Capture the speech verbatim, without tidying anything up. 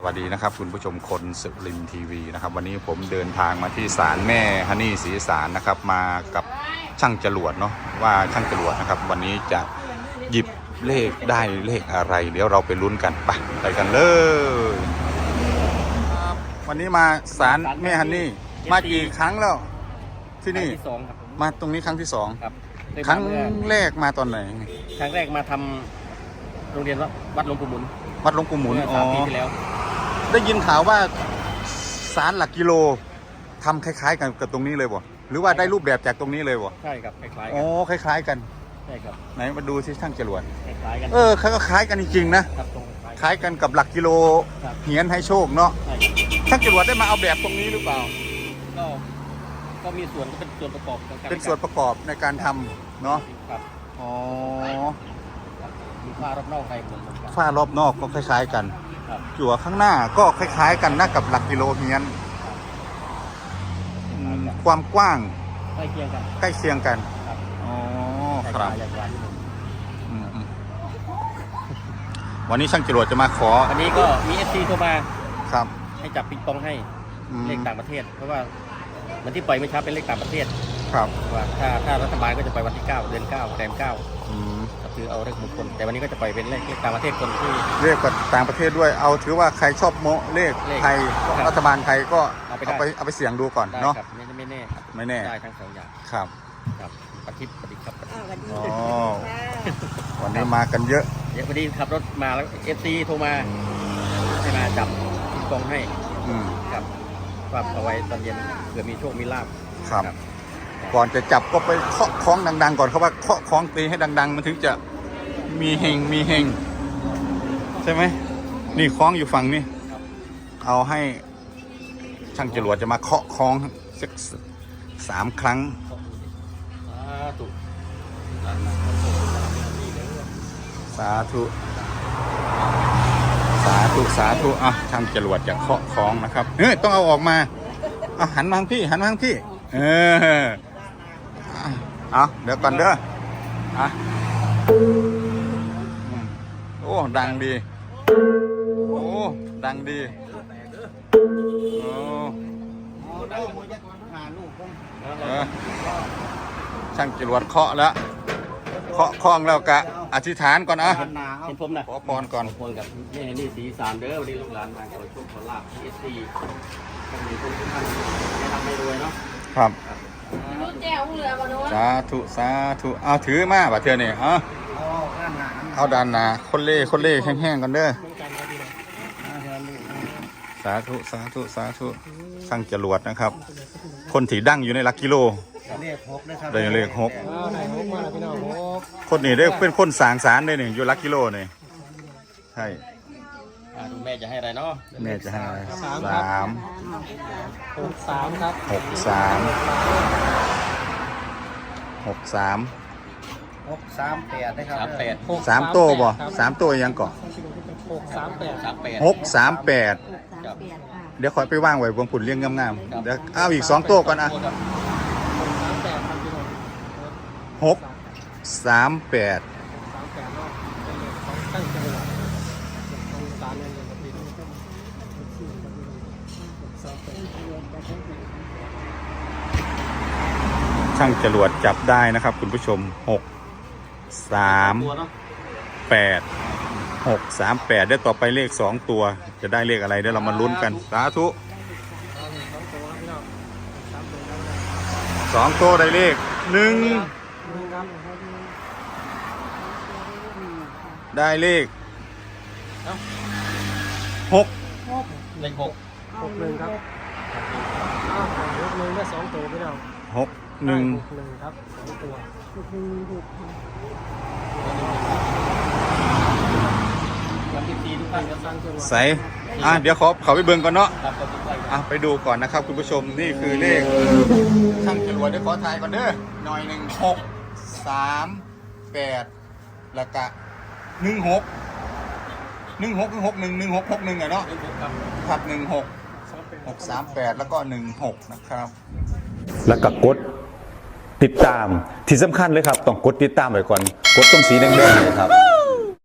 สวัสดีนะครับคุณผู้ชมคนสุรินทร์ทีวีนะครับวันนี้ผมเดินทางมาที่ศาลแม่ฮันนี่ศรีสารนะครับมากับช่างจรวดเนาะว่าช่างจรวดนะครับวันนี้จะหยิบเลขได้เลขอะไรเดี๋ยวเราไปลุ้นกันไปไปกันเลยวันนี้มาศาลแม่ฮันนี่มากี่ครั้งแล้วที่นี่ที่สองครับมาตรงนี้ครั้งที่สองครับครั้งแรกมาตอนไหนครั้งแรกมาทำโรงเรียนวัดหลวงปู่หมุนวัดหลวงปู่หมุนสามปีที่แล้วได้ยินข่าวว่าศาลหลักกิโลทำคล้ายๆกันกับตรงนี้เลยบ่หรือว่าได้รูปแบบจากตรงนี้เลยบ่ใช่ครับคล้ายๆกันอ๋อคล้ายๆกันใช่ครับไหนมาดูที่ช่างจรวดคล้ายๆกันเออเขาก็คล้ายกันจริงๆนะครับคล้ายกันกับหลักกิโลเหียนให้โชคเนาะช่างจรวดได้มาเอาแบบตรงนี้หรือเปล่าก็ก็มีส่วนเป็นส่วนประกอบเป็นส่วนประกอบในการทำเนาะครับอ๋อมีฝ้ารอบนอกในเหมือนกันฝ้ารอบนอกก็คล้ายๆกันจั่วข้างหน้าก็คล้ายๆกันนะกับหลักกิโลเฮียนความกว้างใกล้เคียงกันใกล้เคียงกันอ๋อครับวันนี้ช่างจรวดจะมาขอวันนี้ก็มีเอฟซีโทรมาครับให้จับปิงปองให้เลขต่างประเทศเพราะว่าวันที่ปล่อยเมื่อเช้าเป็นเลขต่างประเทศครับว่าถ้าถ้ารัฐบาลก็จะปล่อยวันที่เก้าเดือนเก้าแรมเก้าคือเอาเลขมงคลแต่วันนี้ก็จะปล่อยเป็นเลขต่างประเทศคนที่เลขกับต่างประเทศด้วยเอาถือว่าใครชอบโมเลขไทยรัฐบาลไทยก็เอาไปเอาไปเสี่ยงดูก่อนเนาะไม่แน่ไม่แน่ได้ทั้งสองอย่างครับครับปฏิบัติครับอ๋อวันนี้มากันเยอะเยอะพอดีขับรถมาแล้วเอฟซีโทรมาให้มาจับปิงปองให้ครับฝากเอาไว้ตอนเย็นเผื่อมีโชคมีลาภครับก่อนจะจับก็ไปเคาะคล้องดังๆก่อนเขาว่าเคาะคล้องตีให้ดังๆมันถึงจะมีเฮงมีเฮงใช่ไหมนี่คล้องอยู่ฝั่งนี้เอาให้ช่างจรวดจะมาเคาะคล้องสักสามครั้งสาธุสาธุสาธุอ่ะช่างจรวดจะเคาะคล้องนะครับเฮ้ยต้องเอาออกมาเอาหันมาทางพี่หันมาทางพี่เออเอาเดี๋ยวก่อนเด้ออ่ะโอ้ดังดีโอ้ดังดีโอ้ช่างจรวดเคาะแล้วเคาะคล้องแล้วกะอธิษฐานก่อนอ่ะเห็นผมนะขอพรก่อนขอพรกับนี่นี่สีสามเด้อวันนี้ลูกหลานมาขอโชคขอลาภที่เอสซีขอบคุณทุกท่านให้ทำให้รวยเนาะครับสาธุสาธุเอาถือมาบ่เทื่อนี่เอาเอาด้านหน้าคนเล่คนเล่แห้งๆกันเด้อสาธุสาธุสาธุช่างจรวดนะครับคนถีดั้งอยู่ในหลักกิโลได้เลขหกคนนี้ได้เป็นคนสางสารได้หนึ่งอยู่หลักกิโลนี่ใช่ดูแม่จะให้อะไรเนาะแม่จะให้สามหกสามครับหกสามหกสามหกสามแปดนะครับสามแปดสามโต้บ่สามโต้ยังก่อนหกสามแปดสามแปดหกสามแปดเดี๋ยวคอยไปว่างไว้บนผุนเลี้ยงงามๆเดี๋ยวเอาอีกสองโต้ก่อนอ่ะหกสามแปดช่างจรวดจับได้นะครับคุณผู้ชมหกสามแปดหกสามแปดได้ต่อไปเลขสองตัวจะได้เลขอะไรเดี๋ยวเรามาลุ้นกันสาธุสองตัวได้เลขหนึ่งได้เลขหกเลขหกหกหนึ่งครับหกหนึ่งได้สองตัวพี่น้องหกหนึ่งหนึ่งครับสองตัวใส่อ่ะเดี๋ยวขอเขาไปเบิ่งก่อนเนาะอ่ะไปดูก่อนนะครับคุณผู้ชมนี่คือเลขช่างจรวดเดี๋ยวขอทายก่อนเด้อหน่อยหนึ่งหกสามแปดแล้วก็หนึ่งหกหนึ่งหกหนึ่งหกหนึ่งหนึ่งหกหกหนึ่งอะเนาะครับหนึ่งหกหกสามแปดแล้วก็หนึ่งหกนะครับแล้วก็กดติดตามที่สำคัญเลยครับต้องกดติดตามไว้ก่อนกดตรงสีแดงๆเลยครับ